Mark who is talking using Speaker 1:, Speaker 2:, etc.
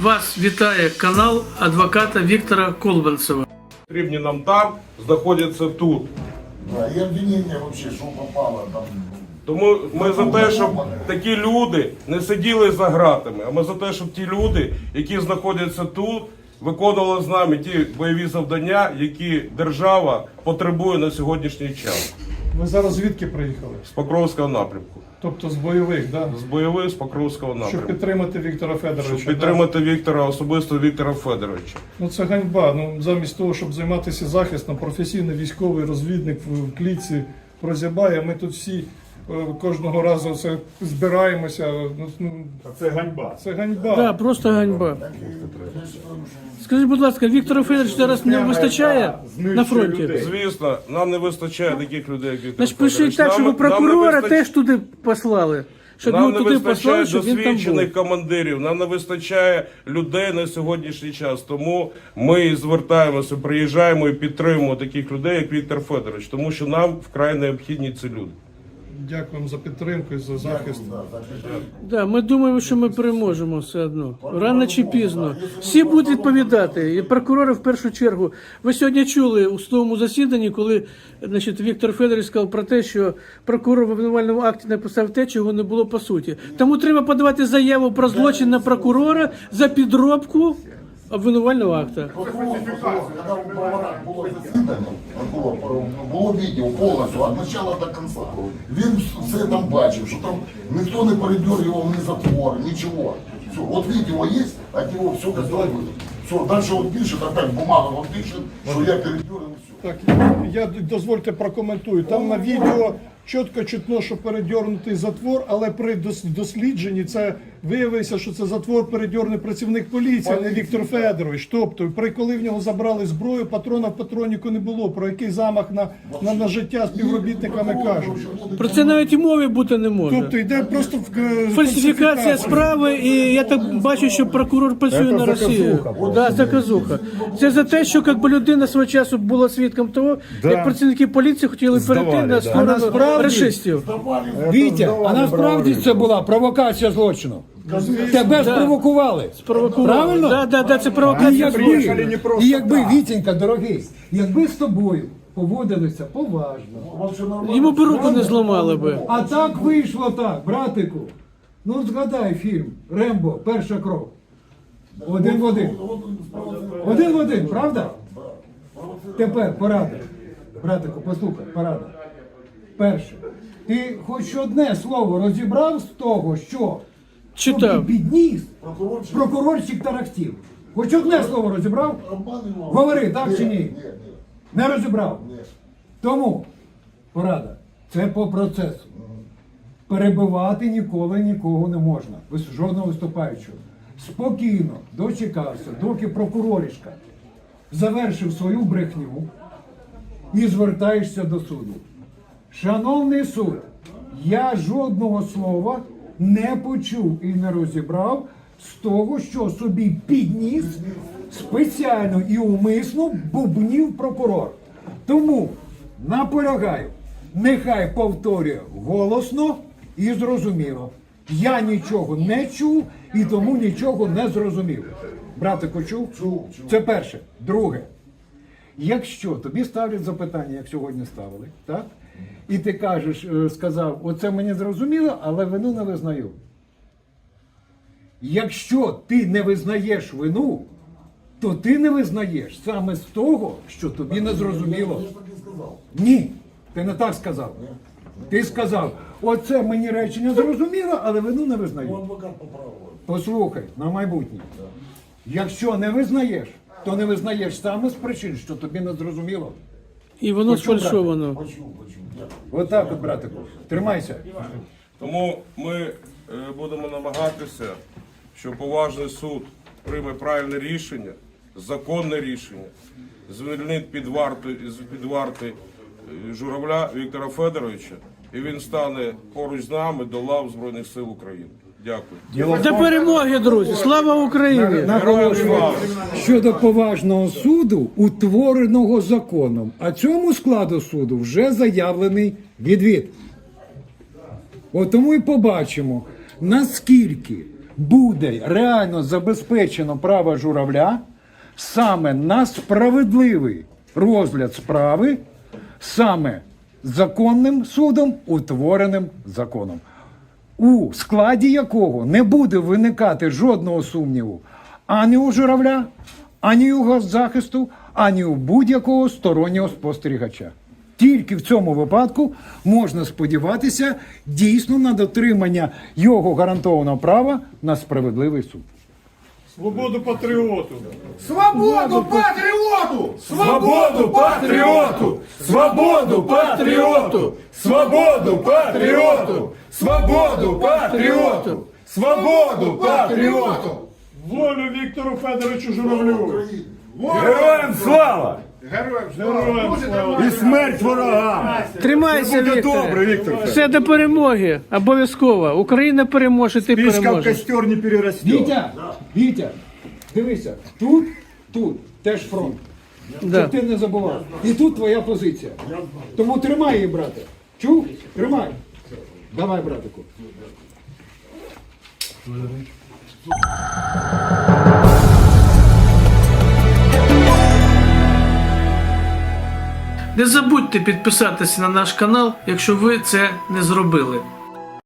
Speaker 1: Вас вітає канал адвоката Віктора Колбанцева.
Speaker 2: Потрібні нам там, знаходяться тут.
Speaker 3: Да, и обвинение вообще, что попало там.
Speaker 2: Тому ми за те, щоб такі люди не сиділи за ґратами, а ми за те, щоб ті люди, які знаходяться тут, виконували з нами ті бойові завдання, які держава потребує на сьогоднішній час.
Speaker 4: Ви зараз звідки приїхали?
Speaker 2: З Покровського напрямку.
Speaker 4: Тобто з бойових, да?
Speaker 2: З бойових, з Покровського
Speaker 4: Щоб
Speaker 2: напрямку.
Speaker 4: підтримати Віктора Федоровича.
Speaker 2: Щоб підтримати Віктора, особисто Віктора Федоровича.
Speaker 4: Ну це ганьба. Ну замість того, щоб займатися захистом, професійний військовий розвідник в клітці прозябає. Ми тут всі кожного разу це збираємося.
Speaker 5: Це ганьба.
Speaker 4: Це ганьба.
Speaker 1: Да, просто ганьба. Скажіть, будь ласка, Віктора Федоровича зараз не вистачає на фронті?
Speaker 2: Звісно, нам не вистачає таких людей, як Віктор
Speaker 1: Значить, пишіть так, щоб прокурора теж туди послали. Щоб
Speaker 2: Нам
Speaker 1: його
Speaker 2: не
Speaker 1: туди
Speaker 2: вистачає
Speaker 1: послали, щоб він там був.
Speaker 2: досвідчених командирів, нам не вистачає людей на сьогоднішній час. Тому ми звертаємося, приїжджаємо і підтримуємо таких людей, як Віктор Федорович, тому що нам вкрай необхідні ці люди.
Speaker 4: Дякуємо за підтримку і за захист.
Speaker 1: Да, ми думаємо, що ми переможемо все одно. Рано чи пізно. Всі будуть відповідати. І прокурори в першу чергу. Ви сьогодні чули у судовому засіданні, коли Віктор Федорович сказав про те, що прокурор в обвинувальному акті написав те, чого не було по суті. Тому треба подавати заяву про злочин на прокурора за підробку обвинувального акта.
Speaker 3: Когда у Бровара было засідання, прокурор, було відео повністю, від початку до кінця. Він все там бачив, що там ніхто не передергивав ні затвор, нічого. Все, от відео є, от нього все готово. Все, дальше он пишет, опять бумага, он пишет, що я передергивал, все.
Speaker 4: Так, я дозвольте прокоментую. Там на відео чітко чутно, що передьорнутий затвор, але при дослідженні це виявилося, що це затвор передьорний працівник поліції, а не Віктор Федорович. Тобто, коли в нього забрали зброю, патрона в патроніку не було. Про який замах на життя співробітниками кажуть.
Speaker 1: Про це навіть і мови бути не може.
Speaker 4: Тобто йде просто
Speaker 1: Фальсифікація справи, і я так бачу, що прокурор працює на Росію. Да, заказуха. Це за те, що якби людина свого часу була свідком того, як працівники поліції хотіли перейти на сторону рашистів.
Speaker 6: Вітя, а насправді це була провокація злочину. Тебе спровокували. Правильно?
Speaker 1: Да, це провокація.
Speaker 6: І якби, Вітенька, дорогий, якби з тобою поводилися поважно,
Speaker 1: Йому б руку не зламали би.
Speaker 6: а так вийшло так, братику. Ну згадай фільм «Рембо. Перша кров». Один в один. Один в один, правда? Тепер порада. Братику, послухай, порада. Перше. Ти хоч одне слово розібрав з того, що
Speaker 1: Читав.
Speaker 6: тобі підніс прокурорчик тарахтів. Хоч одне слово розібрав? Говори, так чи ні? Не розібрав? Тому, порада, це по процесу. Перебивати ніколи нікого не можна. Жодного виступаючого. Спокійно дочекався, доки прокуроришка завершив свою брехню і звертаєшся до суду. Шановний суд, я жодного слова не почув і не розібрав з того, що собі підніс спеціально і умисно бубнів прокурор. Тому наполягаю, нехай повторює голосно і зрозуміло. Я нічого не чув і тому нічого не зрозумів. Братику, чув?
Speaker 3: Чув.
Speaker 6: Це перше. Друге. Якщо тобі ставлять запитання, як сьогодні ставили, так? І ти кажеш, сказав, оце мені зрозуміло, але вину не визнаю. Якщо ти не визнаєш вину, то ти не визнаєш саме з того, що тобі не зрозуміло. Ні, ти не так сказав. Ти сказав, оце мені речення зрозуміло, але вину не визнаю. Послухай, на майбутнє. Якщо не визнаєш, то не визнаєш саме з причин, що тобі не зрозуміло.
Speaker 1: І воно сфальшовано.
Speaker 6: Отак от, братику. Тримайся.
Speaker 2: Тому ми будемо намагатися, щоб поважний суд прийме правильне рішення, законне рішення, звільнить під варти Журавля Віктора Федоровича, і він стане поруч з нами до лав Збройних сил України. Дякую.
Speaker 1: До перемоги, друзі! Слава Україні!
Speaker 2: Героям слава!
Speaker 6: Щодо поважного суду, утвореного законом, а цьому складу суду вже заявлений відвід. От тому і побачимо, наскільки буде реально забезпечено право журавля саме на справедливий розгляд справи, саме законним судом, утвореним законом, у складі якого не буде виникати жодного сумніву ані у журавля, ані у госзахисту, ані у будь-якого стороннього спостерігача. Тільки в цьому випадку можна сподіватися дійсно на дотримання його гарантованого права на справедливий суд.
Speaker 4: Свободу патріоту!
Speaker 5: Свободу патріоту! Свободу патріоту! Свободу патріоту! Свободу патріоту! Свободу патріоту! Свободу патріоту!
Speaker 4: Волю Віктору Федоровичу Журавлю!
Speaker 5: Героям слава!
Speaker 4: Героям слава!
Speaker 5: І смерть ворогам!
Speaker 1: Тримайся,
Speaker 5: Буде
Speaker 1: Вікторе.
Speaker 5: добре, Віктор.
Speaker 1: Все до перемоги, обов'язково. Україна переможе, ти
Speaker 5: Пічка в
Speaker 1: переможеш.
Speaker 5: костер не переросте.
Speaker 6: Вітя, дивися, тут теж фронт.
Speaker 1: Да.
Speaker 6: Щоб ти не забував. І тут твоя позиція. Тому тримай її, брате. Чув? Тримай. Давай, братику.
Speaker 1: Не забудьте підписатися на наш канал, якщо ви це не зробили.